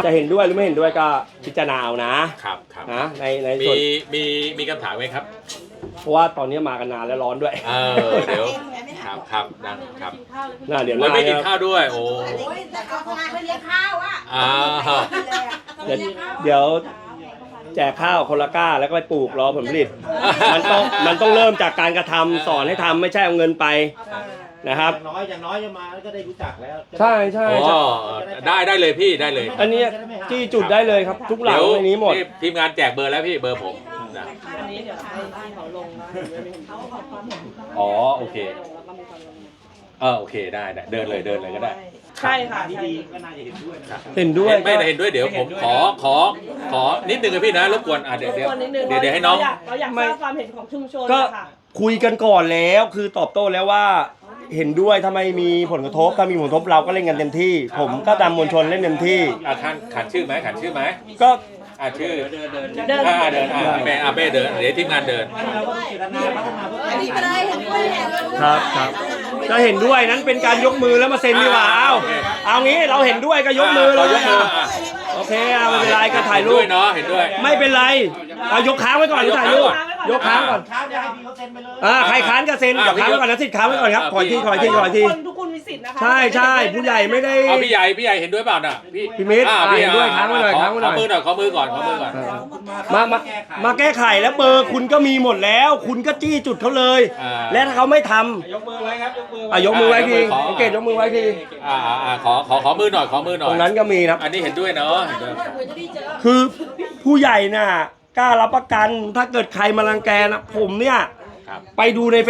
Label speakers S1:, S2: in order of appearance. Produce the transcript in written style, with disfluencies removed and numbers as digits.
S1: จะเห็นด้วยหรือไม่เห็นด้วยก็พิจารณาเอานะครับนะในส่วน
S2: มีคำถามไหมครับ
S1: เพราะว่าตอนนี้มากันนานแล้วร้อนด้วย
S2: เดี๋ยวครับนะครับ
S1: เดี๋ยว
S2: ไม่กินข้าวด้วยโอ้
S3: แต่ก็ไม่เลี้ยงข้าวอ่ะ
S1: เดี๋ยวแจกข้าวคนละก้าแล้วก็ไปปลูกรอผลผลิตมันต้องเริ่มจากการกระทำสอนให้ทำไม่ใช่เอาเงินไปนะครับ
S4: อย่างน้อยจะมาก็ได้รู้จักแล้ว
S1: ใช่
S2: ได้เลยพี่ได้เลย
S1: อันนี้จี้จุดได้เลยครับทุกหลังในนี้หมด
S2: ทีมงานแจกเบอร์แล้วพี่เบอร์ผม
S5: อันนี้เดี๋ยวให้เขาลงนะเขาขอความเห็น
S2: โอเคโอเคได้เดินเลยก็ได้
S5: ใช่ค่ะ
S4: ดีก็น่าจะเห็นด้วย
S1: เห็นด้วย
S2: ไม่เห็นด้วยเดี๋ยวผมขอนิดนึงนะพี่นะรบกวนเดี๋ยวให้น้อง
S5: เราอยากทราบความเห็นของชุมชน
S1: ก็คุยกันก่อนแล้วคือตอบโต้แล้วว่าเห็นด้วยถ้าไม่มีผลกระทบถ้ามีผลกระทบเราก็เล่นกันเต็มที่ผมก็ตามมวลชนเล่นเต็มที่
S2: ขันชื่อไหม
S1: ก็
S2: ชื่อเดินเดินเดี๋ยวทีมงานเดิน
S1: ครับก็เห็นด้วยนั้นเป็นการยกมือแล้วมาเซ็นดีกว่าเอางี้เราเห็นด้วยก็ยกมือเลยโอเคไม่เป็นไรก็ถ่ายรูป
S2: เนาะเห็นด้วย
S1: ไม่เป็นไรเอายกค้างไว้ก่อนถ่ายรูปยกค้างก่อนใครค้านก็เซ็นเดี๋ยวค้างไว้ก่อนนะสิทธิ์ค้างไว้ก่อนครับขอที
S5: ทุกคนมีสิทธิ์นะคะ
S1: ใช่ผู้ใหญ่ไม่ได้
S2: พี่ใหญ่เห็นด้วยเปล่าน่ะ
S1: พี่มิตรเห็นด้วยค้างไว้หน่อยข
S2: อมือก่อน
S1: มาแก้ไขแล้วเบอร์คุณก็มีหมดแล้วคุณก็จี้จุดเขาเลยและถ้าเขาไม่ทำ
S4: ยกมือไว้ครับ
S1: ยกมือไว้ทีสังเกตยกมือไว้ที
S2: ขอมือหน่อย
S1: ตรงนั้นก็มีครับ
S2: อันนี้เห็นด้วยเนาะ
S1: คือผู้ใหญ่น่ะกล้ารับประกันถ้าเกิดใครมารังแกนะผมเนี่ยไปดูใน